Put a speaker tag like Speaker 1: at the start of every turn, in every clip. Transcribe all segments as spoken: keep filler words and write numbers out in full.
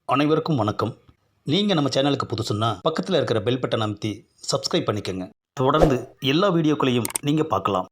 Speaker 1: அனைவருக்கும் வணக்கம். நீங்கள் நம்ம சேனலுக்கு புதுசுன்னா பக்கத்தில் இருக்கிற பெல் பட்டனை அமைத்தி சப்ஸ்கிரைப் பண்ணிக்கோங்க. தொடர்ந்து எல்லா வீடியோக்களையும் நீங்கள் பார்க்கலாம்.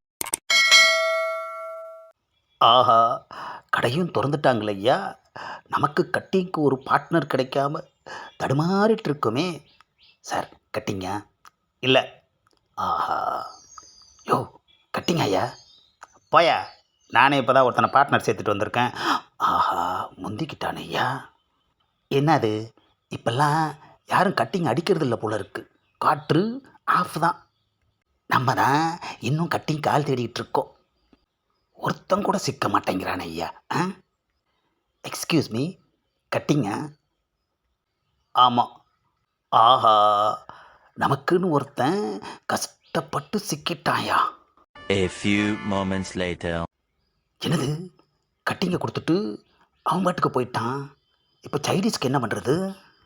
Speaker 1: ஆஹா, கடையும் திறந்துட்டாங்களே ஐயா. நமக்கு கட்டிங்க்கு ஒரு பார்ட்னர் கிடைக்காம தடுமாறிட்டு இருக்குமே. சார், கட்டிங்க இல்லை? ஆஹா, யோ, கட்டிங்க ஐயா. போயா, நானே இப்போ தான் ஒருத்தனை பார்ட்னர் சேர்த்துட்டு வந்திருக்கேன். ஆஹா, முந்திக்கிட்டானே ஐயா. என்னது, இப்பெல்லாம் யாரும் கட்டிங் அடிக்கிறது இல்லை போல இருக்கு. காற்று ஆஃப் தான். நம்ம தான் இன்னும் கட்டிங் கால் தேடிட்டு இருக்கோம். ஒருத்தன் கூட சிக்க மாட்டேங்கிறான் ஐயா. ஆ, எக்ஸ்கியூஸ் மீ, கட்டிங்க? ஆமாம். ஆஹா, நமக்குன்னு ஒருத்தன் கஷ்டப்பட்டு சிக்கிட்டாயா.
Speaker 2: A few moments later.
Speaker 1: என்னது, கட்டிங்கை கொடுத்துட்டு அவன் பாட்டுக்கு போயிட்டான். இப்போ சைனீஸ்க்கு என்ன பண்ணுறது?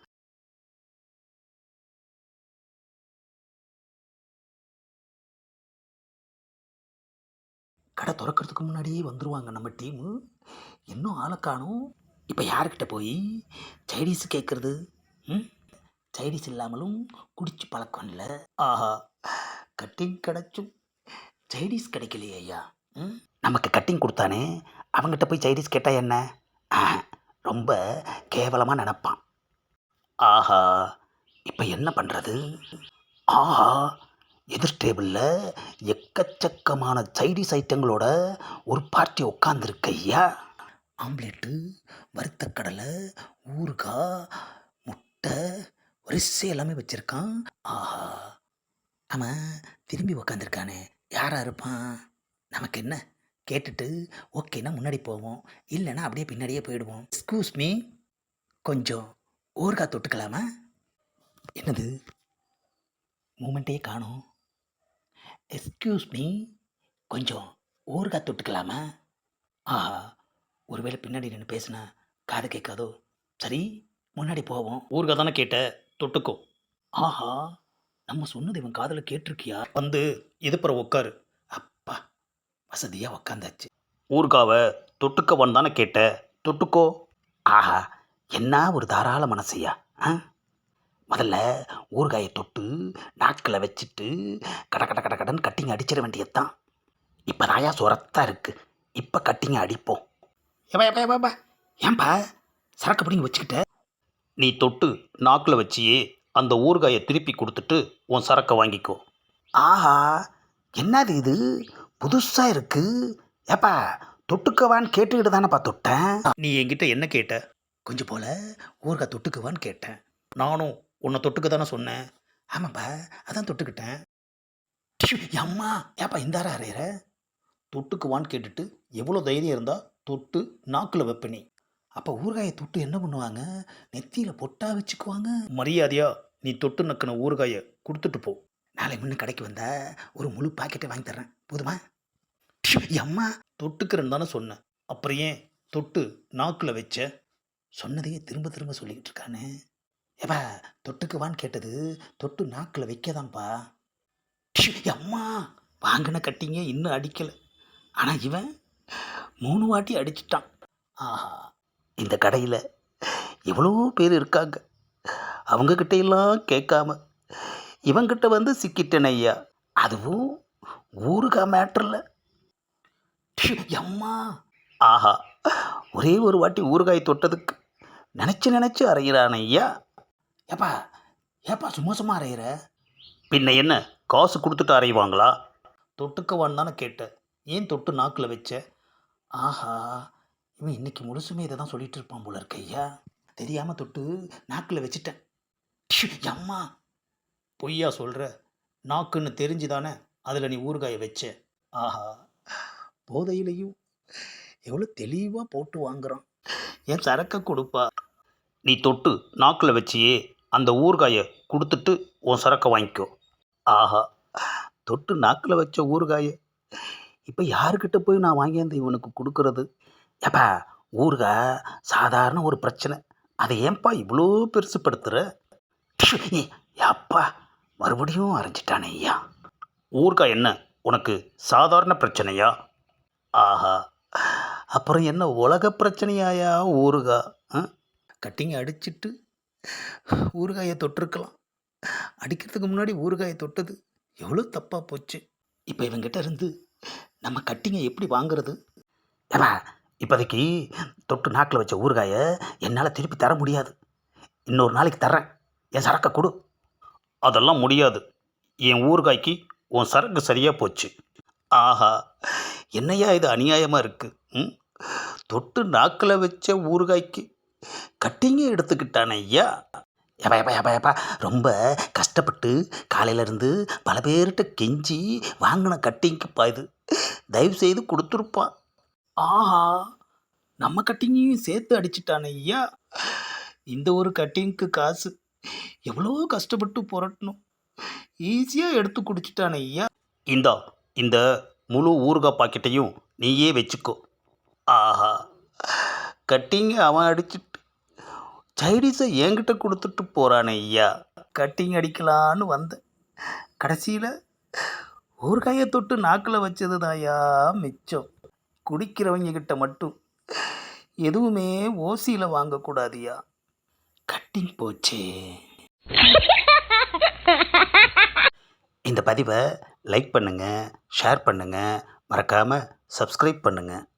Speaker 1: கடை திறக்கிறதுக்கு முன்னாடியே வந்துடுவாங்க நம்ம டீமு. இன்னும் ஆளை காணும். இப்போ யாருக்கிட்ட போய் சைனீஸ் கேட்குறது? ம், சைனீஸ் இல்லாமலும் குடிச்சு பழக்கம் இல்லை. ஆஹா, கட்டிங் கிடச்சும் சைனீஸ் கிடைக்கலையே ஐயா. ம், நமக்கு கட்டிங் கொடுத்தானே, அவங்ககிட்ட போய் சைனீஸ் கேட்டால் என்ன? ஆ, ரொம்ப கேவலமாக நினப்பான். ஆஹா, இப்போ என்ன பண்ணுறது? ஆஹா, எதிர் டேபிளில் எக்கச்சக்கமான சைனீஸ் ஐட்டங்களோட ஒரு பார்ட்டி உட்காந்துருக்கு ஐயா. ஆம்லேட்டு, வறுத்த கடலை, ஊறுகாய், முட்டை, வரிசை எல்லாமே வச்சுருக்கான். ஆஹா, அவன் திரும்பி உக்காந்துருக்கானே, யாராக இருப்பான்? நமக்கு என்ன, கேட்டுட்டு ஓகேனா முன்னாடி போவோம், இல்லைன்னா அப்படியே பின்னாடியே போயிடுவோம். எக்ஸ்கியூஸ் மீ, கொஞ்சம் ஊறுகாய் தொட்டுக்கலாமா? என்னது, மூமெண்ட்டே காணோம். எக்ஸ்கியூஸ் மீ, கொஞ்சம் ஊறுகாய் தொட்டுக்கலாமா? ஆஹா, ஒருவேளை பின்னாடி நின்று பேசுனா காது கேட்காதோ. சரி, முன்னாடி போவோம். ஊறுகாய் தானே கேட்ட, தொட்டுக்கோ. ஆஹா, நம்ம சொன்னது இவன் காதில் கேட்டிருக்கியா? வந்து இதுப்புற உட்காரு. அப்பா, வசதியாக உக்காந்தாச்சு. ஊறுகாவை தொட்டுக்கவன் தானே கேட்ட, தொட்டுக்கோ. ஆஹா, என்ன ஒரு தாராள மனசையா. ஆ, முதல்ல ஊறுகாயை தொட்டு நாக்கில் வச்சுட்டு கட கட கட கடன்னு கட்டிங்க அடிச்சிட வேண்டியதுதான். இப்போ தாயா சுரத்தாக இருக்குது, இப்போ கட்டிங்க அடிப்போம். ஏப்பா ஏப்பா ஏப்பா, ஏன்பா சரக்கு பிடிங்க வச்சுக்கிட்ட? நீ தொட்டு நாக்கில் வச்சியே அந்த ஊறுகாயை திருப்பி கொடுத்துட்டு உன் சரக்கை வாங்கிக்கோ. ஆஹா, என்னது இது, புதுசாக இருக்கு. ஏப்பா, தொட்டுக்கவான்னு கேட்டுக்கிட்டு தானேப்பா தொட்டேன். நீ என்கிட்ட என்ன கேட்ட? கொஞ்சம் போல ஊறுகாய் தொட்டுக்குவான்னு கேட்டேன். நானும் உன்னை தொட்டுக்க தானே சொன்னேன். ஆமாப்பா, அதான் தொட்டுக்கிட்டேன். டிஷு, அம்மா, ஏப்பா இந்தாரா அறையிற? தொட்டுக்குவான்னு கேட்டுட்டு எவ்வளோ தைரியம் இருந்தால் தொட்டு நாக்கில் வைப்பனி. அப்போ ஊறுகாயை தொட்டு என்ன பண்ணுவாங்க? நெத்தியில் பொட்டா வச்சுக்குவாங்க. மரியாதையா நீ தொட்டு நக்கின ஊறுகாயை கொடுத்துட்டு போ. நாளை முன்ன கடைக்கு வந்தா ஒரு முழு பாக்கெட்டை வாங்கி தர்றேன், போதுமா? டிஷு, அம்மா, தொட்டுக்கிறேன்னு தானே சொன்னேன், அப்புறம் ஏன் தொட்டு நாக்கில் வச்ச? சொன்னதையே திரும்ப திரும்ப சொல்லிக்கிட்டு இருக்கானே. ஏப்பா, தொட்டுக்குவான்னு கேட்டது தொட்டு நாக்கில் வைக்கதான்ப்பா. டிஷு, அம்மா, வாங்கின கட்டிங்க இன்னும் அடிக்கலை, ஆனால் இவன் மூணு வாட்டி அடிச்சிட்டான். ஆஹா, இந்த கடையில் எவ்வளோ பேர் இருக்காங்க, அவங்கக்கிட்ட எல்லாம் கேட்காம இவங்கிட்ட வந்து சிக்கிட்டேன் ஐயா. அதுவும் ஊறுகாய் மேட்டரில். அம்மா, ஆஹா, ஒரே ஒரு வாட்டி ஊறுகாய் தொட்டதுக்கு நினச்சி நினச்சி அரைகிறான் ஐயா. ஏப்பா ஏப்பா சும்மா சும்மா அரைகிற? பின்ன என்ன, காசு கொடுத்துட்டு அரைவாங்களா? தொட்டுக்கவான்னு தானே கேட்டேன், ஏன் தொட்டு நாக்கில் வச்ச? ஆஹா, இவன் இன்னைக்கு முழுசுமே இதை தான் சொல்லிட்டு இருப்பான் போல இருக்க ஐயா. தெரியாமல் தொட்டு நாக்கில் வச்சுட்டேன். டிஷு, அம்மா, பொய்யா சொல்கிற? நாக்குன்னு தெரிஞ்சு தானே அதில் நீ ஊறுகாயை வச்ச. ஆஹா, போதையிலையும் எவ்வளோ தெளிவாக போட்டு வாங்குறான். என் சரக்கை கொடுப்பா. நீ தொட்டு நாக்கில் வச்சியே அந்த ஊறுகாயை கொடுத்துட்டு உன் சரக்கை வாங்கிக்கோ. ஆஹா, தொட்டு நாக்கில் வச்ச ஊறுகாயை இப்போ யாருக்கிட்ட போய் நான் வாங்கியாந்து இவனுக்கு கொடுக்கறது? ஏப்பா, ஊறுகாய் சாதாரண ஒரு பிரச்சனை, அதை ஏன்பா இவ்வளோ பெருசுப்படுத்துகிற? அப்பா, மறுபடியும் அரைஞ்சிட்டானே ஐயா. ஊறுகாய் என்ன உனக்கு சாதாரண பிரச்சனையா? ஆஹா, அப்புறம் என்ன உலக பிரச்சனையாயா ஊறுகாய்? கட்டிங்க அடிச்சிட்டு ஊறுகாயை தொட்டிருக்கலாம். அடிக்கிறதுக்கு முன்னாடி ஊறுகாயை தொட்டது எவ்வளோ தப்பாக போச்சு. இப்போ இவங்கிட்ட இருந்து நம்ம கட்டிங்க எப்படி வாங்குறது? ஏப்பா, இப்போதைக்கு தொட்டு நாக்கில் வச்ச ஊறுகாயை என்னால் திருப்பி தர முடியாது. இன்னொரு நாளைக்கு தர்றேன், என் சரக்கை கொடு. அதெல்லாம் முடியாது. என் ஊறுகாய்க்கு உன் சரக்கு சரியாக போச்சு. ஆஹா, என்னையா இது அநியாயமாக இருக்குது. ம் தொட்டு நாக்கில் வச்ச ஊறுகாய்க்கு கட்டிங்க எடுத்துக்கிட்டானே ஐயா. ஏப்பா ஏப்பா ஏப்பா ஏப்பா ரொம்ப கஷ்டப்பட்டு காலையிலேருந்து பல பேர்கிட்ட கெஞ்சி வாங்கின கட்டிங்கப்பா இது. தயவு செய்து கொடுத்துருப்பான். ஆஹா, நம்ம கட்டிங்கையும் சேர்த்து அடிச்சிட்டானே ஐயா. இந்த ஒரு கட்டிங்க்கு காசு எவ்வளோ கஷ்டப்பட்டு புரட்டணும், ஈஸியாக எடுத்து குடிச்சிட்டானே ஐயா. இந்தா, இந்த முழு ஊறுகாய் பாக்கெட்டையும் நீயே வச்சுக்கோ. ஆஹா, கட்டிங்க அவன் அடிச்சிட்டு சைடிஸை என்கிட்ட கொடுத்துட்டு போகிறானே ஐயா. கட்டிங் அடிக்கலான்னு வந்தேன், கடைசியில் ஊறுகாயை தொட்டு நாக்கில் வச்சது தாயா மிச்சம். குடிக்கிறவங்க கிட்ட மட்டும் எதுவுமே ஓசியில் வாங்கக்கூடாதியா. கட்டிங் போச்சே. இந்த பதிவை லைக் பண்ணுங்கள், ஷேர் பண்ணுங்கள், மறக்காமல் சப்ஸ்கிரைப் பண்ணுங்கள்.